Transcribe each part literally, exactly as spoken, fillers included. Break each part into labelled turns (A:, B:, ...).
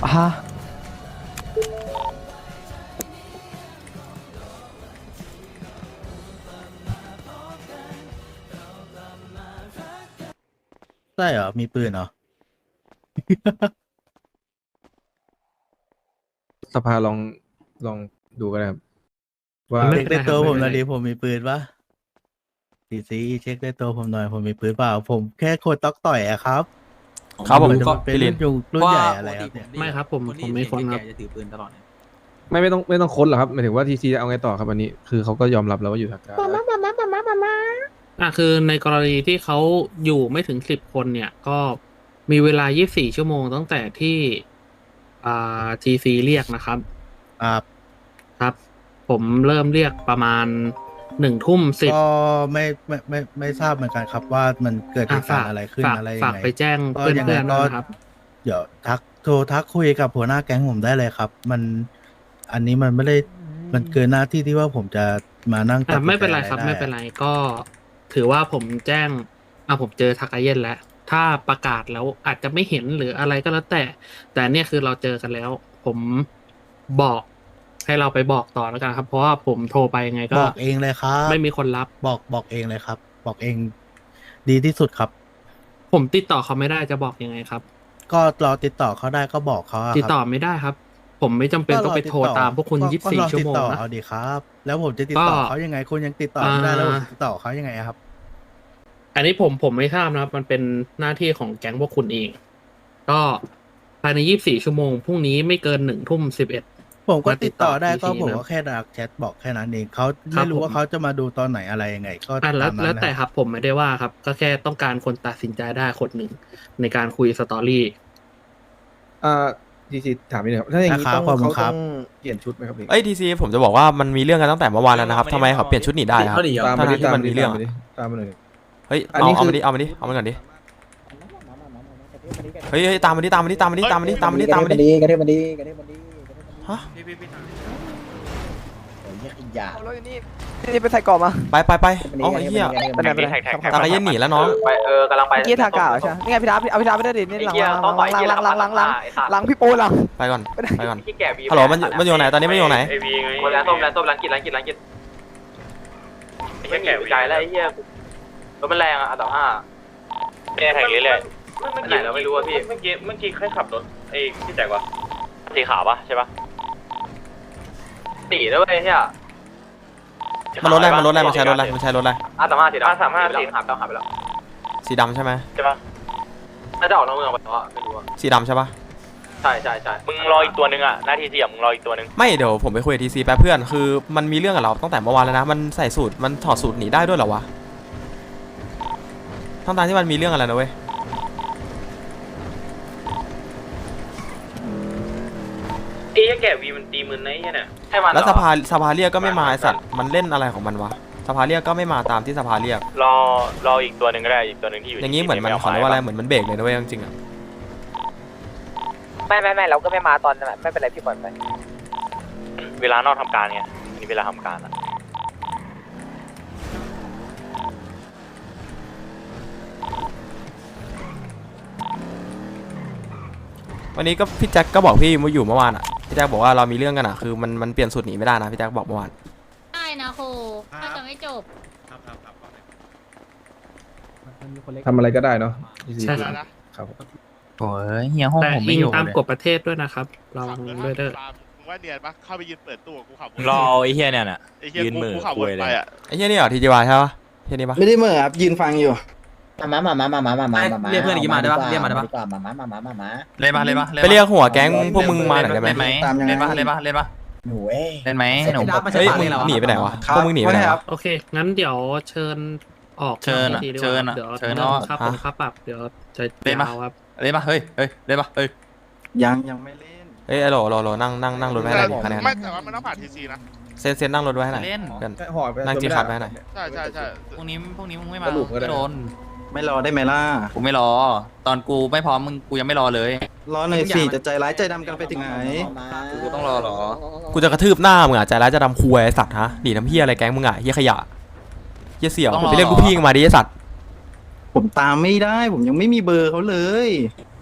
A: ฮะ
B: ใช่เหรอมีปืนเหรอ
C: สภาลองลองดูกันนะครับว่า
B: เช็คในตัวผมห
D: ไม่
B: นะ
D: เป็นไร
B: ดิผมมีปืนปะดีซีเช็คในตัวผมหน่อยผมมีปืนเปล่าผมแค่โคตรต๊อกต่อยอะครับ
E: ครับผม
B: นจะ
E: ก็
B: เป็น
E: พี่ลิ
B: รุ่
E: น
B: นยุงรุ่นใหญ่อะไรครับเนี่ย
D: ไม่ครับผมผมไม่คนครับ
F: จะถือปืนตลอด
C: ไม่ไม่ต้องไม่ต้องค้นหรอกครับหมายถึงว่าทีซีเอาไงต่อครับอันนี้คือเขาก็ยอมรับแล้วว่าอยู่ทางการ
D: อ่ะคือในกรณีที่เขาอยู่ไม่ถึงสิบคนเนี่ย ก็มีเวลายี่สิบสี่ชั่วโมงตั้งแต่ที่อ่า ที ซี เรียกนะครับ
B: อ่า
D: ครับ ผมเริ่มเรียกประมาณหนึ่งทุ่มสิบ
B: ก็ไม่ไม่ไม่ไม่ทราบเหมือนกันครับว่ามันเกิดเหตุการณ์อะไรขึ้น
D: ฝาก
B: อะไร
D: ฝา
B: ยั
D: ก
B: งไง
D: ไปแจ้ง
B: ก็
D: เพื่อน
B: ยัง
D: เพื่
B: ไง
D: อน
B: ก็
D: นะครับ
B: เดี๋ยวทักโทรทักคุยกับหัวหน้าแก๊งผมได้เลยครับ มันอันนี้มันไม่ได้มันเกินหน้าที่ที่ว่าผมจะมานั่งตัด
D: อ่ะ
B: สินใจ
D: ไม่เป็นไรครับ
B: อะ
D: ไม่เป็นไรก็ถือว่าผมแจ้งอ่ะผมเจอทากาเย็นแล้ว ถ้าประกาศแล้วอาจจะไม่เห็นหรืออะไรก็แล้วแต่ แต่เนี่ยคือเราเจอกันแล้ว ผมบอกให้เราไปบอกต่อแล้วกันครับ เพราะว่าผมโทรไปยังไงก็
B: บอกเองเลยครับ
D: ไม่มีคนรับ
B: บอกบอกเองเลยครับ บอกเองดีที่สุดครับ
D: ผมติดต่อเขาไม่ได้จะบอกยังไงครับ
B: ก็เราติดต่อเขาได้ก็บอกเขาอะครับ
D: ติดต่อไม่ได้ครับ ผมไม่จำเป็นต้องไปโทรตามพวกคุณ
B: ก็
D: ยี่สิบ
B: ก็
D: สี่
B: ลอ
D: ชั่ว
B: ติด
D: โมง
B: ต่อ
D: นะ
B: เอาดีครับ แล้วผมจะติดต่อ
D: ก็
B: เขายังไงคุณยังติดต่อไม่ได้
D: อ่า
B: แล้วผมจะติดต่อเขายังไงครับ
D: อันนี้ผมผมไม่ทราบนะครับ มันเป็นหน้าที่ของแก๊งพวกคุณเอง ก็ภายในยี่สิบสี่ชั่วโมงพรุ่งนี้ไม่เกินหนึ่งทุ่มสิบเอ็ด
B: ผมก็
D: มาติ
B: ติ
D: ด
B: ด
D: ต่
B: ต่
D: อ
B: อได้ก็
D: ที
B: ผม
D: นะ
B: ก็แค่ดักแชทบอกแค่นั้นเองเขา
D: ครั
B: ไม่
D: บ
B: รู้ว่า
D: ผม
B: เขาจะมาดูตอนไหนอะไรยังไง ก็
D: อ่ะแล้ว
B: ตามนั้น
D: แล้วแต่
B: นะ
D: ครับผมไม่ได้ว่าครับ ก็แค่ต้องการคนตัดสินใจได้คนหนึ่งในการคุยสตอรี่
C: อ่าทีซีถามนิดนึงครับถ้าอย่างนี้
B: นะครับ
C: ต้อง
B: ขอบคุ
C: เขา
B: ณครั
C: ต้
B: บ
C: องเปลี่ยนชุดไหมครับพี่
E: เอ้ยทีซีผมจะบอกว่ามันมีเรื่องกันตั้งแต่เมื่อวานแล้วนะครับทำไมเขาเปลี่ยนชุดหนีได้ครับ
C: ตาม
E: ถ้า
C: มาดิ
E: ที่
C: ตาม
E: มัน
C: มาดิ
E: มีเรื่อง
C: ตาม
E: อะ
C: มาดิตามมาหน่อยดิ
E: เฮ้ย
C: อัน
E: เอา
C: นี้
E: เอา
C: คือ
E: มาดิเอามาดิเอามันก่อนดิเฮ้ยเฮ้ยตามมาดิตามมาดิตามมาดิตามมาดิตามมาดิตามมาดิ
A: กระเทยมันดีกระเทยมันดีกระเทยมันดี
E: ฮะ
A: โอ้ยขยะ
G: เอารถนี่นี่ไปใส่กรอบมา
E: ไปไปไปเอาไอ้เหี้ย
G: ไปไหนไปไหน
E: ตากระเย็นหนีแล้วน้อง
F: ไปเออกำลังไป
G: เมื่อกี้ทากาใช่ไหมนี่ไงพี่ดาเอาพี่ดาไม่ได้ดินี่หลังหลังหลังหลังหลังหลังหลังหลังพี่โป้หลัง
E: ไปก่อนไปก่อน
F: ที่แก่วี
E: ฮัลโหลมันมันอยู่ไหนตอนนี้มันอยู่ไหน
F: คนแรงส้มแรงส้มแรงกินแรงกินแรงกินไอ้เหี้ยแก่วีใจแล้วไอ้เหี้ยรถมันแรงอ่ะอันดับห้าแก่แข่งเรื่อยๆไหนเราไม่รู้อ่ะพี่เมื่อกี้เมื่อกี้ใครขับรถไอ้ที่แจกวะสีขาวปะใช่ปะสีด้วยไอ้เหี้ย
E: มันรถอะไรมันรถอะไรมันใช้รถอะไรมันใช้รถอะไร
F: อาสามห้าสีดำอาสามห้าสีขาวดำหายไปแล้ว
E: สีดำใช่ไหม
F: ใช่ปะน่าจะออกนอกเมืองไปแล้วไม่รู้อ่ะ
E: สีดำใช่ปะ
F: ใช่ใช่ใช่มึงรออีกตัวนึงอ่ะหน้าที่เสี่ยมมึงรออีกตัวนึง
E: ไม่เดี๋ยวผมไปคุยกับทีซีแป๊บเพื่อนคือมันมีเรื่องกับเราตั้งแต่เมื่อวานแล้วนะมันใส่สูตรมันถอดสูตรหนีได้ด้วยเหรอวะทั้งตาที่มันมีเรื่องอะไรนะเว้ย
F: ไอ้เหี้ยแก่วีมันตีมือไอ้เหี้ยเนี่ยใช่มันเหรอ
E: แล้วสภาสภาเรียกก็ไม่มาไอ้สัตว์มันเล่นอะไรของมันวะสภาเรียกก็ไม่มาตามที่สภาเรียก
F: รอรออีกตัวหนึ่งก็ได้อีกตัวหนึ่งที่อยู่
E: อย่างนี้เหมือนมันขอเรียกว่าอะไรเหมือนมันเบรกเลยนะเว้ยจริงๆอะ
G: ไม่ไม่ไม่เราก็ไม่มาตอนนั้นไม่เป็นไรพี่บอลไป
F: เวลานอกทำการไงอันนี้เวลาทำการอะ
E: วันนี้ก็พี่แจ็คก็บอกพี่มาอยู่เมื่อวานอ่ะพี่แจ็คบอกว่าเรามีเรื่องกันอ่ะคือมันมันเปลี่ยนสูตรหนีไม่ได้นะพี่แจ็คบอกเมื่อวาน
H: ได้นะครูถ้าจะไม่จบ
C: ทำอะไรก็ได้เนาะ ที ซี
D: ใช่ครับ
C: ครับผม
A: โอ้ยเฮียห้อง
D: แต่
A: ผม
D: อิ
A: ไม่
D: ง
A: อยู่
D: ตาม
A: เลย
D: กฎประเทศด้วยนะครับระวังด้วยเด้อ
I: มึงว่าเนียนปะเข้าไปยืนเปิดตู้กูขับ
F: รอไอ้เหี้ยเนี่ยน่ะ
I: ไอ้เหี้ย
F: ยืน
I: กู
F: มือ
I: กูขับ
F: คุ
I: วน
F: ยเลย
I: ไปอ่ะ
E: ไอ้เหี้ยนี่เหรอทีจีวายใช่ปะเหี้ยนี่ปะ
A: ไม่ได้เหมื่อครับยืนฟังอยู่มามามามามามามามา
G: เรียกเพื่อนอีกมาได้ปะเรียกมาได้ปะ
A: ดีกว่ามามามามามามา
G: เล่นปะเล่นปะ
E: ไปเรียกหัวแก๊งพวกมึงมาหน่อยได้ไหม
G: เล่นไหม
A: ตามยังไง
G: เล่นปะเล่นปะเล่นปะ
A: หนูเอ้ย
G: เล่นไหมหนู
E: เฮ้ยมึงหนีไปไหนวะพวกมึงหนีไปไหนวะ
D: โอเค งั้นเดี๋ยวเชิญออก
G: เชิญอะ
D: ทีดีกว่า
G: เชิญอะ
D: เดี๋ยว
G: เชิญ
D: เรื่อง
G: ออก
D: ค่าปรับค่าปรับ เดี๋ยวจะ
G: เล่นปะ
D: ยาวครับ
G: เล่นปะเฮ้ยเฮ้ยเล่นปะเฮ้ย
A: ยังยังไม่เล่น
E: เอ้ยไอ้โหลโหลโหลนั่งนั่งนั่งรถไว้ให้หน่อยดิคะแนน
I: ไม่แต่ว่ามันต้องผ่านทีซีนะ
E: เซนเซนนั่งรถไว้ให้หน่อย
G: เล่น
E: เพื่อน
C: แค่ห่อไป
E: นั่งจีคัดไว้หน่อย
I: ใช่ใช่ใช่
G: พรุ่งนี้พรุ่งนี้มึงไม่มา
C: สรุปก็ได้
G: ไม่โดน
A: ไม่รอได้ไหมล่ะ
G: กูไม่รอ ตอนกูไม่พร้อมมึงกูยังไม่รอเลย
A: รอหน่อยสิจะใจร้ายใจดำกันไปถึงไหน
G: กูต้องรอเหรอ
E: กูจะกระทืบหน้ามึงอ่ะใจร้ายจะดำคุยไอ้สัตว์ฮะหนีน้ำเหี้ยอะไรแก๊งมึงอ่ะเหี้ยขยะเหี้ยเสี่ยว
G: ต้องรอ
E: ไปเรียกลูกพี่มึงมาดิไอ้สัตว์
A: ผมตามไม่ได้ผมยังไม่มีเบอร์เขาเลย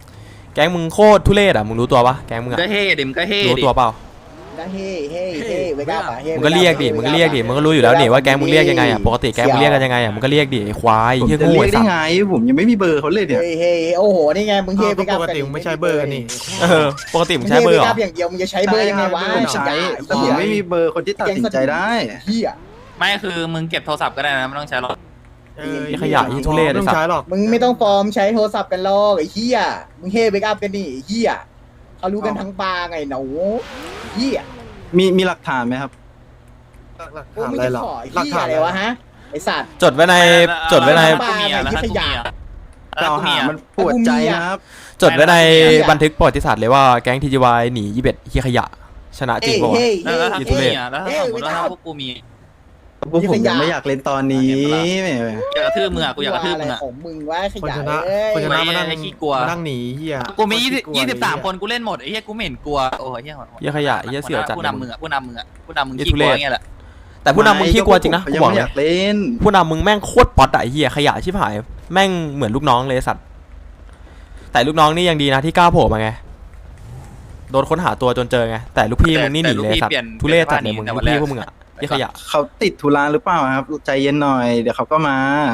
E: แก๊งมึงโคตรทุเรศอ่ะมึงรู้ตัวปะแก๊งมึงอ่ะ
F: ก็เฮ่ดิมก็เฮ่
E: รู้
F: ดิ
E: ตัวเปล่า
A: ก็เฮ้เฮ้เฮ้เวก้าป่ะเฮ้
E: มึงก็เรียกดิมึงก็เรียกดิมึงก็รู้อยู่แล้วนี่ว่าแก๊งมึงเรียกยังไงอ่ะปกติแก๊งมึงเรียกกันยังไงอ่ะมึงก็เรียกดิไอ้ควาย
B: ผม
E: เฮี้ย
B: จะ
E: โง่
B: เรียก
E: ไอ้
B: ได้
E: สัตว์
B: ไงผมยังไม่มีเบอร์เขาเลยเนี่ย
A: เฮ้เฮ้โอ้โหนี่ไงมึงเฮ้เวก้า
C: ปกติมึงไม่ใช่เบอร์นี่
E: เออปกติมึงใช้เบอร์เหรอ
A: อย่างเดียวมึงจะใช้เบอร์ยังไงวะ
B: ผมใช้แต่ผมไม่มีเบอร์คนที่ตัดสินใจได้
A: เฮีย
F: ไม่คือมึงเก็บโทรศัพท์ก็ได้นะไม่ต้องใช้หรอก
C: เออ
E: ไอ้ขยะไอ้ทุเรศ
C: ไม่
E: ไอ้
C: ต้อง
E: สัต
C: ใช้
E: ว์
C: หรอก
A: มึงไม่ต้องฟอร์มใช้โทรศัพท์กันหรอกไอ้เฮียมึงเฮ้เวก้ากันนี่ไอ้เฮียเขารู้กันทั้งปาไงหนูเฮีย
B: มีมีหลักฐานไหมครับ
C: หลัก
A: โอ้
C: ฐาน
A: มึง
C: อะไร
A: จะ
C: หรอ
A: ขอเฮียอะไรวะฮะไอสัตว์
E: จดไว้ในจดไว้ใน
A: ปาไงที่ขยะ
B: กล่าวหามันปวดใจนะครับ
E: จดไว้ในบันทึกประวัติศาสตร์เลยว่าแก๊งทีจีวายหนียี่สิบเอ็ดเฮียขยะชนะจริงป่าวะ
A: เฮ้
F: แล้วถ้า
E: ยู
F: กู
E: ทูบเบอ
F: มี
E: ร์
F: อ่ะแล้วถ้าสมมติว่าถ้าพวกกูมี
B: พวกผมยังไม่อยากเล่นตอนนี้แหม
F: อยากกระทืบมึงอ่ะกูอยากกระทืบมึงอ่ะ
A: ของมึงวะข
C: คน
A: ยะ
C: ชนะ
A: เอ้ย
C: คนชนะมานั่ง
F: ไอ้ขี้กลัว
C: มานั่งหนีเฮีย
F: กูมียี่สิบ
C: กลัว
F: ยี่สิบสาม
C: เลย
F: คนกูเล่นหมดไอ้เหี้ยกูไม่เห็นกลัวโอ้ยเหี้ย
E: เฮียขยะเฮียเสี่ยวจัด
F: ผู้
E: เลย
F: นำ
E: มึ
F: มึ
E: ง
F: งอ่ะผู้นำมึงอ่ะผู้นำมึง
E: ไอ้
F: ขี้
E: ทุ
F: ก
E: เร
F: ลัว
E: ศ
F: อย่างเงี้ยแหละ
E: แต่ผู้นำมึงขี้กลัวจริงนะ
B: ยั
E: กู
B: ง
E: บอก
B: ไม่
E: เล
B: อย ยากเล่น
E: ผู้นำมึงแม่งโคตรป๊อตอะไอ้เฮียขยะชิบหายแม่งเหมือนลูกน้องเลยสัตว์แต่ลูกน้องนี่ยังดีนะที่กล้าโผล่มาไงโดนค้นหาตัวจนเจอไงแต่ลูกพี่มึงนี่หนีเลยสัตว์ทุเรศจัดเลยมึงลูกพี่พวกมึงอะเฮียขยะ
B: เขาติดธุระหรือเปล่าครับ ใจเย็นหน่อยเดี๋ยวเขาก็มา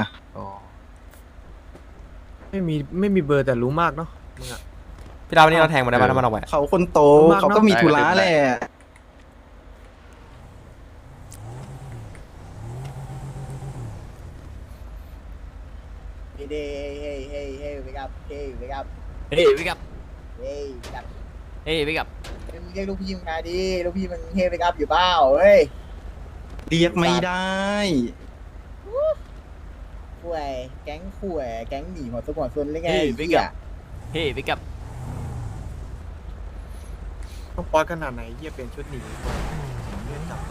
C: ไม่มีไม่มีเบอร์แต่รู้มากเนาะมึงอะ
E: พี่ดาววันนี้เราแทงมาได้ป่ะถ้ามันเอาไป
B: เขาคนโต
C: มากเนอะ
B: เขาก็มีธุระแหละ
A: เฮ้เฮ้เฮ้เฮ้เวก้าเฮ้เวก้า
F: เฮ้ยวิกับ
A: เฮ้เวก้า
F: เฮ้ยวิกับ
A: มึงเรียกลูกพี่มึงมาดิลูกพี่มึงเฮ้เวก้าอยู่เปล่าเฮ้ย
B: เรียกไม่ได้
A: ข่วยแก๊งข่วยแก๊งหนีหัวซุกหัวซุนหรือไง
F: เฮ้ย
A: ไอ้
F: วิ
A: เหี้
F: กั
A: ย
F: บเฮ้ยวิกับ
C: ต้องป๊อตขนาดไหนเฮียเปลี่ยนชุดหนีเล่นจับ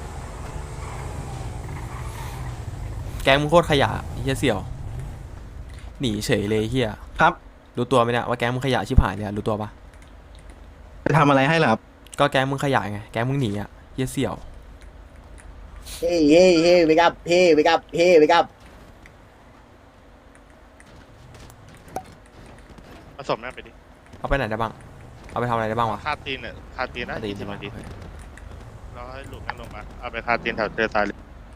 E: แก๊งมึงโคตรขยะเฮียเสี่ยวหนีเฉยเลยเฮีย
B: ครับ
E: รู้ตัวไหมเนี่ยว่าแก๊งมึงขยะชิบหายเลยอะรู้ตัวปะ
B: ไปทำอะไรให้เหรอครับ
E: ก็แก๊งมึงขยะไงแก๊งมึงหนีอะเฮียเสี่ยว
A: เฮ้เฮ้เฮ้เวก้าเฮ้เวก้าเฮ้เวก้า
I: ผสมนั่นไปดิ
E: เอาไปไหนได้บ้างเอาไปทำอะไรได้บ้างวะ
I: คาตีนเนี่ยคาตีนนะ
E: ตี
I: ยี่
E: ใช่
I: สิบ
E: ไหม
I: นาทีเราให้หลุมนั่งลงมาเอาไปคาตีนแถวเจอตายเลย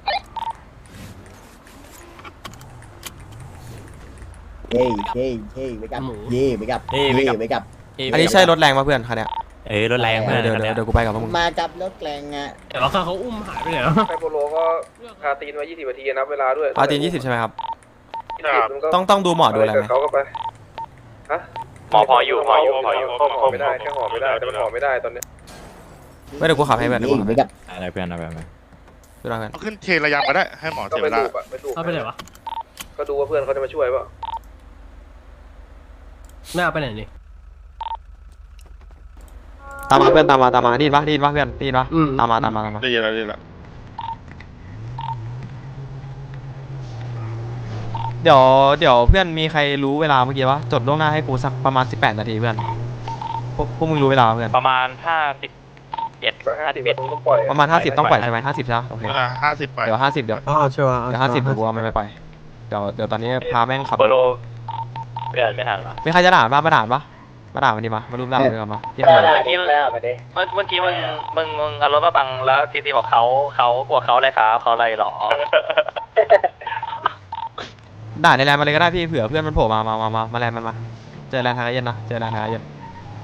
A: เฮ้เฮ้เฮ้เวก้าเฮ้เวก้าเฮ้เวก้า
E: อันนี้ใช่รถแรงป่ะเพื่อนคันเนี้ย
F: เอ้ยรถแรงเพื่อน
E: เดี๋ยวเดี๋ยวเดี๋ยวกูไปกับพวกมึง
A: มากับรถแกลงอ่ะ
D: แต่ว่าเขาอุ้มหายไปไหนแล้ว
J: ไฮโปโลก็คาตีนไว้ยี่สิบนาทีนับเวลาด้วย
E: อาตีนยี่สิบใช่ไหมครับ
J: มันก็
E: ต้องต้องดูหมอดูอะไรไหม
J: เขาก็ไปฮะ
F: หมอพออยู่หมออยู่หมออยู่
J: หอไม่ได้แค่หอไม่ได้แต่มันหอไม่ได้ตอนเนี้ย
E: ไม่เดี๋ยวกูขับให้เพื่อนเดี๋ยวกูขับ
A: เว
E: ให้
A: ก้า
F: อะไรเพื่อนอะไรเพื่อน
E: ดูได้เพื่อน
I: เอาขึ้นเทระยำมาได้ให้หมอ
J: ก็
I: เสีย
J: ไป
I: เวลา
J: ดูอะไปดู
D: เอาไปไหนวะ
J: ก็ดูว่าเพื่อนเขาจะมาช่วยเปล่า
D: ไม่เอาไปไหนนี่
E: ตามมาเพื่อนตามมาตามมาดีนปะดีนปะเพื่อนดีนปะ
D: อืม
E: ตามมาตามมาตามมา
I: ได้ยินแล้วได้ยินแล้ว
E: เดี๋ยวเดี๋ยวเพื่อนมีใครรู้เวลาเมื่อกี้ปะจดล่วงหน้าให้กูสักประมาณสิบแปดนาทีเพื่อนพวกพวกมึงรู้เวลาเพื่อน
F: ประมาณห้าสิบเอ็ดห้าสิบเอ็ด
J: ต้องปล่อย
E: ประมาณห้าสิบต้องปล่อยใช่ไหมห้าสิบใช่ไหมโอเค
I: เวลาห้าสิบไป
E: เดี๋ยวห้าสิบเดี๋ยว
C: อ๋อชัวร์
E: เดี๋ยวห้าสิบกูเอามันไปไปเดี๋ยวเดี๋ยวตอนนี้พาแม่งขับ
F: เบอร์โลเปลี่ยนไม่ทันหรอ
E: มีใครจะด่าบ้างมาด่าปะมาด่ามันดีมามารุมด่ามันดีกว่ามาเยี่ยมเลย
F: เมื่อกี้เมื่อเมื่อกี้มึงมึงมึงเอารถมาบังแล้วทีทีบอกเขาเขากลัวเขาอะไรครับเขาอะไรหรอ
E: ด่าในแลนด์มาเลยก็ได้พี่เผื่อเพื่อนมันโผล่มามามามามาแลนด์มันมาเจอแลนด์ทางเย็นนะเจอแลนด์ทางเย็น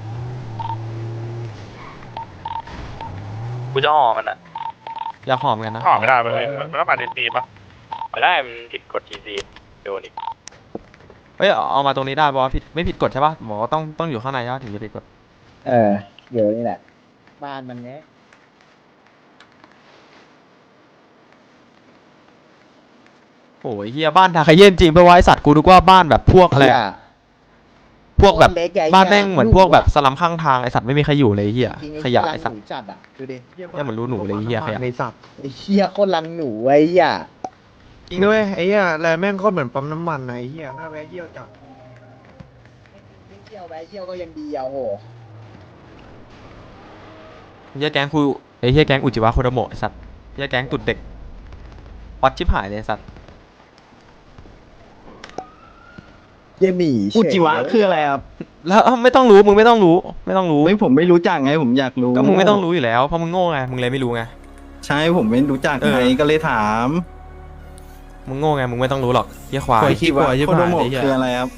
F: กูจะห่อมันอ่ะ
E: อยากหอมกันนะ
I: หอมไม่ได้มันมันต้องมาเดนตีปะ
F: ไม่ได้มันผิดกฎทีซีโดนอีก
E: เฮ้ยเอามาตรงนี้ได้บอกว่าผิดไม่ผิดกฎใช่ปะบอกว่าต้องต้องอยู่ข้างในใช่ปะถึงจะผิดกฎ
A: เออเดี๋ยวนี่แหละ บ้านมันเนี้ย
E: โอ้ยเฮียบ้านทาคาเย็นจริงไปไว้สัตว์กูนึกว่าบ้านแบบพวกอะไรอะพวกแบบบ้านแม่งเหมือนพวกแบบสลัมข้างทางไอสัตว์ไม่มีใครอยู่เลยเฮียขยะไอสัตว์
A: จัดอ่ะดูดิ
E: เนี่ยเหมือนรู้หนูเลยเฮียขยะ
C: ในสัตว์
A: ไอ้เหี้ยโคตรลังหนูไอ้เหี้ย
C: จริงด้วยไอ้เหี้ยแลแม่งก็เหมือนปั๊มน้ำมันนะไอ้เหี้ยหน้าแวะเยี่ยวจัด
A: ไม่เที่ยวไปเที่ยวก็ยังดีอ่ะโห
E: เฮียแก๊งคูไอเฮียแก๊งอุจิวะโคโดโมะไอสัตว์เฮียแก๊งตุดเด็กวัดชิบหายเลยไอ้สัตว์
A: เยี่ยหนี
B: อุจิวะคืออะไรครับ
E: แล้วไม่ต้องรู้มึงไม่ต้องรู้ไม่ต้องรู้
K: ไม่ผมไม่รู้จักไงผมอยากรู้
E: ก็มึงไม่ต้องรู้อยู่แล้วเพราะมึงโง่ไงมึงเลยไม่รู้ไง
K: ใช่ผมไม่รู้จัก
E: เออ
K: ไงก็เลยถาม
E: มึงโง่ไงมึงไม่ต้องรู้หรอกเหี้ยควาย
K: คิดว่าโคโดโมะคืออะไรครับ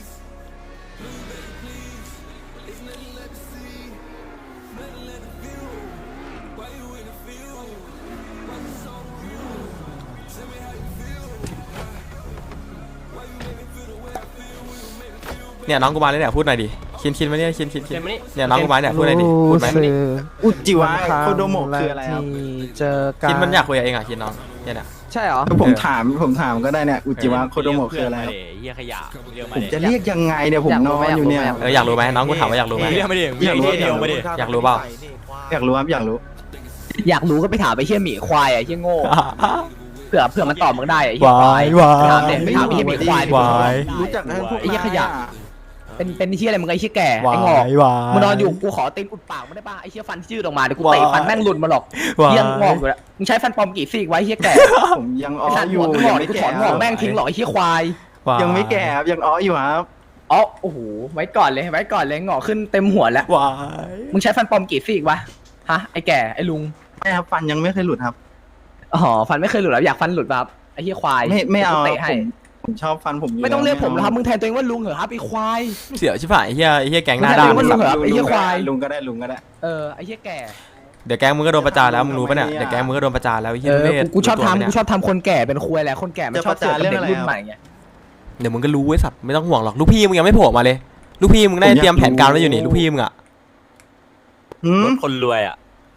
E: เนี่ยน้องกูมาเลยเนี่ยพูดหน่อยดิคินคินมาเนี่ยคินคินคินเนี่ยน้องกูมาเนี่ยพูดหน่อยดิพูดไหม
K: อุจิวะโคโดโมะคืออะไรครับ
G: เจอกัน
E: คินมันอยากคุยกับเองอ่ะคินน้องเนี่ยน่ะ
G: ใช่เหรอ
K: ผมถามผมถามก็ได้เนี่ยอุจิวะโคโดโมะคืออะไรครับ
F: เฮียขยะเรียกมา
K: ผมจะเรียกยังไงเนี่ยผมนอนอยู่เนี่ย
E: เอออยากรู้ไหมน้องกูถามว่าอยากรู้ไหม
F: เรียกมาดิ
K: อยากรู้
F: เดียวมาดิ
E: อยากรู้เปล่า
K: อยากรู้ครับอยากรู้
G: อยากรู้ก็ไปถามไปเชี่ยหมีควายอ่ะเชี่ยโง่เผื่อเผื่อมันตอบมึงได้อ่ะเชี่ยควาย
E: วาย
G: ถามเด็กถามไอ้เชี่ยหมีควาย
E: วาย
K: รู้จักนะพวก
G: ไอ้เหี้ยขยะ เป็นเป็นเชี่ยอะไรมึงไอ้เชี่ยแก่
E: วา
G: ไอ้งอก
E: ยวาย
G: มึงนอนอยู่กูขอตีนอุดปากมึงได้ป่ะไอ้เชี่ยฟันชื่อออกมาเดี๋ยวกูเตะฟันแม่งหลุดมาหรอก
E: วาย
G: เหี้ยงอกอยู่แล้วมึงใช้ฟันปลอมกี่ซี่ไว้เชี่ยแก่
K: ผมยังอ้
G: ไอ้
K: อ
G: สัตว์
K: อ
G: หั
K: ยู่
G: วง
K: ยั
G: อก
K: งไม่
G: กู
K: แก่
G: ถอนงอกแม่งทิ้งหรอกไอ้เชี่ยควาย
E: วาย
K: ยังไม่แก่ครับยังอ้ออยู่ครับ
G: อ๋อโอ้โหไว้ก่อนเลยไว้ก่อนเลยงอกขึ้นเต็มหัวแล้ว
E: วาย
G: มึงใช้ฟันปลอมกี่ซี่วะฮะไอ้แก่ไอ้ลุง
K: ไม่ครับฟันยังไม่เคยหลุดครับ
G: อ๋อฟันไม่เคยหลุดแล้วอยากฟันหลุดป่ะครับไอ้เหี้ยควาย
K: ไม่ไม่เอา
G: เตะให้
K: ผมผมชอบฟันผมอยู่
G: ไม่ต้องเรียกผม
K: แล้
G: แล้ว วครับมึงแทนตัวเองว่าลุงเหรอครับไอ้ควาย
E: เสียวชิบหายไอ้เฮียไอ้เฮียแก๊งหน้า
G: มึง
E: ด้าน
G: แทนตัวเองว่าลุงเหรอไอ้เหี้ยควาย
K: ลุงก็ได้ลุงก็ได้
G: เออไอ้เหี้ยแก่
E: เดี๋ยวแก๊งมึงก็โดนประจานแล้วมึงรู้ปะเนี่ยเดี๋ยวแก๊งมึงก็โดนประจานแล้วไอ้เฮี
G: เอย อ
E: ทุเรศ
G: กูชอบ
E: รู้ตัวไหม
G: ทำ
E: เนี่ย
G: กูชอบทำคนแก่เป็นควายแหละคนแก่ไม่ชอบเสือกกับเด็กรุ่นใหม่ไง
E: เดี๋ยวมึงก็รู้ไอ้สัตว์ไม่ต้องห่วงหรอกลูกพี่มึงยังไม่โผล่มาเลยลูกพี่มึงได้เตรียมแผนการไว้อยู่นี่ลูกพี่มึงอ่ะ
K: หืม
F: คนรวยอ่ะ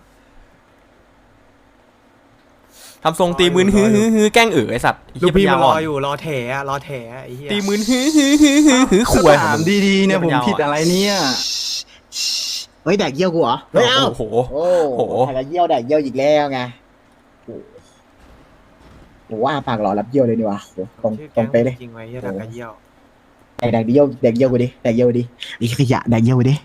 E: ทำทรงตีมืนฮือฮือฮือแกล้งเอ๋อไอ้สัตว์ไอ้
L: ลู
E: เหี้
L: ก
E: ย
L: พี่
E: ปัญญา
L: มันร
E: อ่
L: อ
E: อน
L: อยู่รอแถอะรอแถอะไอ้เหี้ย
E: ตีมืนฮือฮือฮือฮือฮือขวยของ
K: ถาม
E: มึง
K: ดีๆเนี่ยผมผิดอะไรเนี่ย
A: เฮ้ยแดกเยี่ยวกูเหรอเฮ้ยเอ้า
E: โอ้โห
A: โอ้
E: โอ้โห
A: แดกเยี่ยวแดกเยี่ยวอีกแล้วไงโอ้โหว่าปากหล่อรับเยี่ยวเลยดีวะโหตรง
L: ชื่อ
A: ตร
L: แก๊
A: ง
L: ง
A: ไปะเลย
L: จริงไว้เหี้ยดักกระเยี่ยว
A: แดกแดกเยี่ยวแดกเยี่ยวกูดิแดกเยี่ยวกูดิไอ้ขยะแดกเยี่ยวกูดิ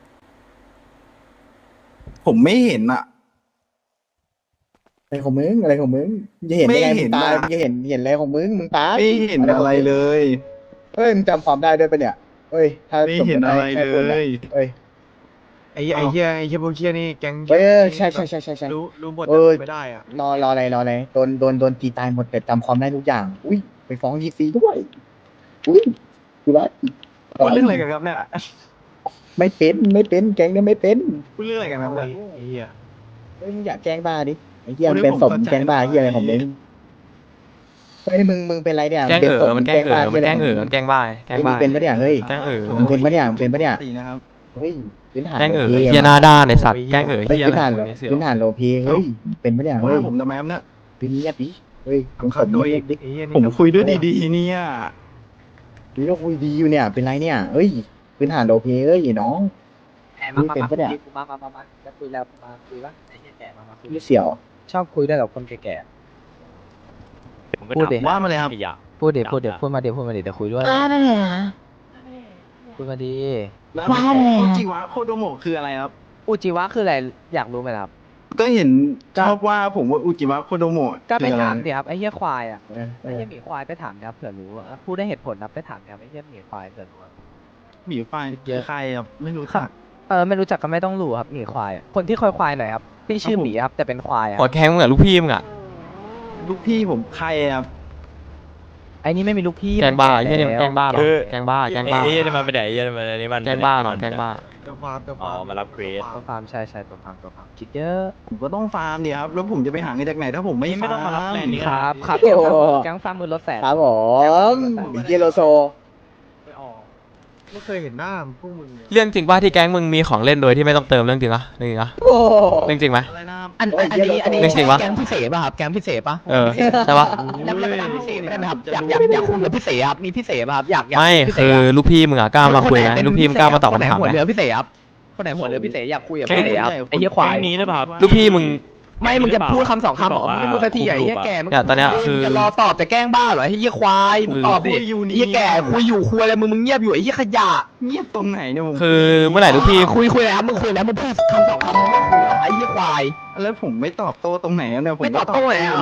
K: ผมไม่เห็นอ่ะ
A: อะไรของมึงอะไรของมึงมึงจะเห็นได้ไง
K: ไม่
A: มึ
K: เห็
A: ง
K: น
A: ตาย
K: อะ
A: มึงจะเห็นเห็นอะไรของมึงมึงตาย
K: ไม่เห็นอะไรเลย
A: เฮ้ยมึงจำความได้ด้วยปะเนี่ยเฮ้ยถ้า
K: ไม่เห็นอะไรเลย
A: เฮ้ย
L: ไอ้เหี้ยไอ้เหี้ยไอ้เหี้ยพวกเหี้ยนี่แก๊ง
A: เฮ้ยใช่ใช่ใช่ใช่ใช่
L: รู้รู้หมด
A: เออ
L: ไม่ได้อ่ะ
A: รอรออะไรรออะไรโดนโดนโดนตีตายหมดแต่จำความได้ทุกอย่าง อุ้ยไปฟ้องยีซีด้วยอุ้ยดูแล
K: พูดเรื่องอะไรกันครับเนี่ย
A: ไม่เป็นไม่เป็นแกงเนี่ยไม่เป็น
K: พูดเรื่องอะไรกันครับเนี่ย
L: ไอ้เหี้ย
A: เฮ้ยมึงอยากแกล้งบ้าดิไอ้เหี้ย
K: คน
A: มัน
K: ที่
A: เป็นศพ
K: ผม
A: มึง
K: เข้าใจ
A: แกล้งบ้าเหี้ยอะไรของมึงเฮ้ยมึงมึงเป็นไรเนี่ย
E: แกล้ง
A: ป็น
E: เอ๋
A: ศ
E: อ
A: พ
E: มันแกล้งเอ๋อมันแกล้งเอ๋อ
A: มึ
E: มันแกล้งบ้าแกล้ง
A: เฮ้ยมึ
E: บ้าง
A: เป็นปะเนี่ยเฮ้ย
E: แกล้งเอ๋อ
A: มึงเป็นปะเนี่ยมึงเป็นปะเนี่ย
K: ตีนะครับ
A: เฮ้ยพื้นฐาน
E: แกล้งเอ๋อ
A: โลพี
E: เฮียหน้าด้านไอ้สัตว์แกล้งเอ๋อ
A: เฮ้ย
E: เฮีย
A: พื้น
E: อะไร
A: ฐาน
E: ของมึงเนี่ยเสี่ยว
A: พื้นฐานโลพีเฮ้ยเป็นปะเนี่ยเฮ้ย
K: ว่าผมทำไมครับเนี่ย
A: เป็นเงียบดิเฮ้ยมึงสม
K: โดย
A: เงียบดิ
L: ไอ้เหี้ยนี่
K: ผมคุยด้วยดีๆเนี่ย
A: นี่เราคุยดีอยู่เนี่ยเป็นไรเนี่ยเฮ้ยพื้นฐานโลพีเอ้ยน้อง
G: มามา
A: เป็น
G: มา
A: ปะเนี่ย
G: มามามามาจะคุยแล้วมาคุยว่าไอ้เหี้ยแก่มามาคุย
A: นี่เสี่ยว
G: ชอบคุยด้วยกับคนแก่
F: ผมก็
G: พูดดิ
F: ถาม
K: ว่ามาเลยครับ
F: ขยะ
G: ๆพูดเดี๋ยวพูดเดี๋ยวพูดมาเดี๋ยวพูดมาเดี๋ยวเดี๋ยวคุยด้วย
H: ว่าได้เลยนะ
G: พูดมาดี
K: แล้ว
H: ว่าเลยอะ
K: อุจิวะโคโดโมะคืออะไรครับ
G: อุจิวะคืออะไรอยากรู้ไหมครับ
K: ก็เห็นชอบว่าผมว่าอุจิวะโคโดโมะ
G: ก็ไป
K: คืออะไร
G: ถามดิครับไอ้เหี้ยควายอ่ะ
A: เออเอ
G: ไอ้
A: อ
G: เหี้ยหมีควายไปถามครับเผื่อรู้อะพูดได้เหตุผลนะไปถามครับไอ้เหี้ยหมีควายเผื่อรู้อะ
K: หมีไฟเยอะใครครับไม่รู้จัก
G: เออไม่รู้จักก็ไม่ต้องรู้ครับหมีควายอะคนที่คอยควายหน่อยครับพี่ชื่อหมีครับแต่เป็นควายอะ
E: หัวแข้งมึงอะลูกพี่มึงอะ
K: ลูกพี่ผมใครครับ
G: ไอ้นี่ไม่มีลูกพี่
E: แกล้งบ้าไอ้
G: มัน
E: เฮียนี่มันแกล้งบ้าเหรอ
F: เออ
E: แกล้งบ้าแกล้งบ้า
F: ไอ้เหี้ยนี่มันไปไหนไอ้เหี้ยนี่มันอันนี้มัน
E: แกล้งบ้าหน่อยแกล้งบ้า
L: เดี๋ยวฟาร์มเดี๋ยว
F: อ๋อ
L: ฟาร์ม
F: มารับเกรด
G: ตัวฟาร์มใช่ใช่ตัวฟาร์มตัวฟาร์มคิดเยอะ
K: ผมก็ต้องฟาร์มดิครับแล้วผมจะไปหาเงินจากไหนถ้าผมไม่
F: ไม่ต้องมารับแลนด์นี้
G: ครับครับ
A: โอ้โห
G: แก๊งฟาร์มมือรถแสน
A: ครับผมเยโลโซ
L: ไปออกไม่เคยเห็นหน้าพวกมึงเลย
E: เรื่องจริงป่ะที่แก๊งมึงมีของเล่นโดยที่ไม่ต้องเติมเรื่องจริงอะเรื่องจริงอะ
A: โอ้โห
E: เรื่องจริงไหม
K: อะไรนะครับ
G: อันอันอันนี้อันนี้
E: เรื่องจริงปะ
G: แก๊งพิเศษป่ะครับแก๊งพิเศษป่ะ
E: เออใช่ปะ
G: อยากอยากพิเศษได้ไหมครับอยากอยากอยากคุยกับพิเศษครับมีพิเศษป่ะครับอยากอยาก
E: ไม่
G: พิเศษ
E: คือ
G: อะ
E: ลูกพี่มึงอะกล้ามาคุยไหม
G: คนไหนเป็น
E: ลูกพี่มึงกล้ามาตอบ
G: คนไหน
E: คำถาม
G: หัว
E: ไหม
G: เรือพิเศษครับคนไหนหัวเรือพิเศษอยากคุยกับพิเศษครับไอ้เหี้ยควาย
F: แก๊งนี้หรือเปล่าครับ
E: ลูกพี่มึง
G: ไม่มึงจะพูดคำสองคำเหรอ
F: ที่
G: มึ
F: บ
G: ง
F: อกว่า
G: ไม่พูดสักทีไอ้เหี้ยแก่มึง
E: เนี่ยตอนเนี้ยคือ
G: จะรอตอบจะแกล้งบ้าเหรอไอ้เหี้ยควายมึงตอบดิ
K: คุยอยู่
G: ไอ้
K: นี่
G: เหี้ยแก่คุยอยู่คุยอะไรมึงมึงเงียบอยู่ไอ้เหี้ยขยะ
K: เงียบตรงไหนเนี่ยผม
E: คือเมื่อไหร่ลูกพี่
G: คุยคุยแล้วมึงคุยแล้วมึงพูดคำสองคำมึงไม่คุยเหรอไอ้เหี้ยควาย
K: แล้วผมไม่ตอบโต้ตรงไหนครับเนี่ยผม
G: ไม่ตอบโต้ไหนอ่ะ
K: เนี่ย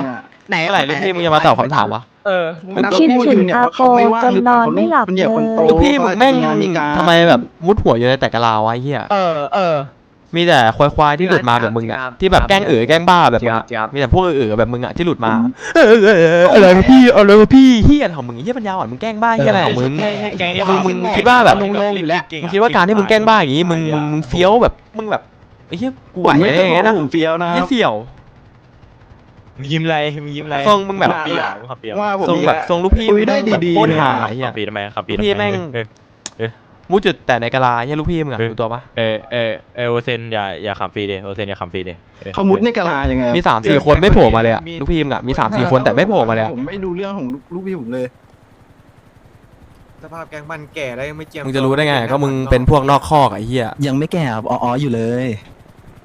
G: ไหน
E: เมื่อไหร่ลูกพี่มึงจะมาตอบคำถามวะ
G: เออ
K: มันก็
M: คิด
K: พูด
M: ถึ
K: อง ยู่เนี่ย
M: อา
K: ว่า
M: โป
K: เขาไม่ว่าง
M: จน
K: หรือน เป
M: อ
K: ล่าน
M: ไม่หลับ
K: มัน
M: เล
K: เหยียบคนโต
M: ย
E: ลูกพี่มึงแม่ง
K: งานมีการ
E: ทำไมแบบมุดหัวอยู่ในแต่กะลาวะไอ้เหี้ย
G: เออเออ
E: มีแต่ควายๆที่หลุดมาแบบมึงอะ
G: ครับ
E: ที่แบบแกล้งเอ๋อแกล้งบ้าแบบ
G: จริ
E: มึ
G: ง
E: ง
G: ครับ
E: อะ
G: จริงครับ
E: มีแต่พวกเอ๋อแบบมึงอะที่หลุดมาเออเออเอออะไรวะพี่อะไรวะพี่เหี้ยของมึงเหี้ยปัญญาอ่อนมึงแกล้งบ้าเหี้ยอะไรของมึงมึงมึงคิดว่าแบบ
G: ลงๆอยู่แล้ว
E: มึงคิดว่าการที่มึงแกล้งบ้าอย่างงี้มึงมึงมึงเฟี้ยวแบบมึงแบบไอ้เหี้ยกูไหว
K: ผมไม่
E: ได้ยังไงนะ
K: ผมเฟี้ยวนะค
E: เหี้
K: รั
E: ย
K: บ
E: เสี่ยว
N: มึงยิ้มอะไรมึงยิ้มอะไร
E: ทรงมึงแบบ
K: น่า
N: ปีอ่ะมึงขับปีอ่ะ
K: ว่าผม
E: ทรงแบบ
K: อีกแล้ว
E: ทรงลูกพี่
K: คุยได้
E: มึงแบบ
K: ดีๆ
E: โคตร
K: นะ
E: หาไอ้เหี้ย
N: ขับปีทำไมขับปี
E: ลูก
N: ทำไม
E: พี่แม่ง
N: เออเออ
E: มุดจุดแต่ในกะลาเหี้ยลูกพี่มึงอะ
N: เออ
E: รู้ตัวปะ
N: เออเออเออโอเซนอย่าอย่าขับฟรีเดโอเซนอย่าขับฟรีเด
K: เขามุดในกะลายังไง
E: มีสามสี่คนไม่โผล่มาเลยอะลูกพี่มึงอะมีสามสี่คนแต่ไม่โผล่มาเลยอะ
K: ผมไม่รู้เรื่องของลูกพี่ผมเลย
L: สภาพแกงมันแก่แล้วยังไม่เจียม
E: มึงจะรู้ได้ไงก็มึงเป็นพวกนอกคอกไอ้เหี้ย
B: ยังไม่แก่อ๋ออยู่เลย
E: เ